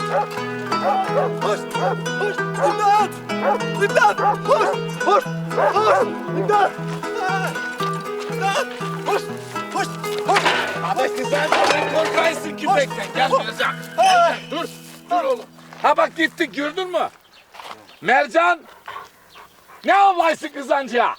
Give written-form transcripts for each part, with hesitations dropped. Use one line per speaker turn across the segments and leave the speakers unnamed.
Hoş! Hoş! İmdat! İmdat! Hoş! Hoş! Hoş! İmdat! İmdat! Hoş! Hoş! Hoş!
Abi kızar korkaysın köpekten. Gel Mercan. Dur. Dur oğlum. Ha bak gittik gördün mü? Mercan. Ne avlaysın kızancıya?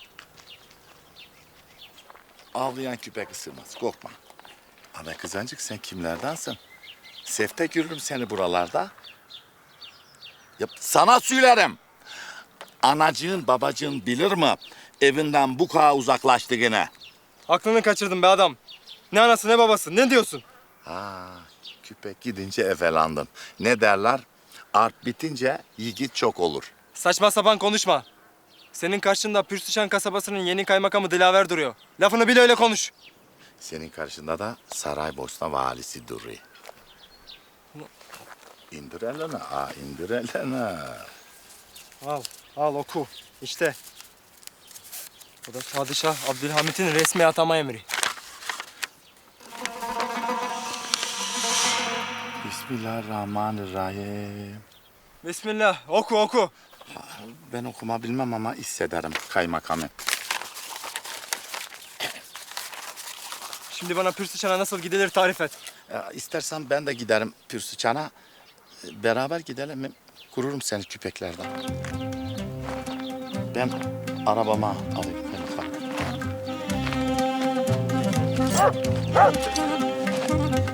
Avlayan köpek ısırmaz, korkma. Ana kızancık sen kimlerdensin? Sefte görürüm seni buralarda. Ya, sana söylerim. Anacığın babacığın bilir mi? Evinden bu kadar uzaklaştı gene.
Aklını kaçırdın be adam. Ne anası ne babası, ne diyorsun?
Köpek gidince efelandın. Ne derler? Art bitince yiğit çok olur.
Saçma sapan konuşma. Senin karşında Pürsüşen kasabasının yeni kaymakamı Dilaver duruyor. Lafını bil öyle konuş.
Senin karşında da Saraybosna valisi duruyor. İndir elini, indir elini.
Al oku. İşte. Bu da Padişah Abdülhamit'in resmi atama emri.
Bismillahirrahmanirrahim.
Bismillah. Oku.
Ben okuma bilmem ama hissederim kaymakamı.
Şimdi bana Pürsüşen'e nasıl gidilir tarif et.
İstersen ben de giderim Pürsüçan'a. Beraber gidelim. Kururum seni küpeklerden. Ben arabama alayım kaymakam.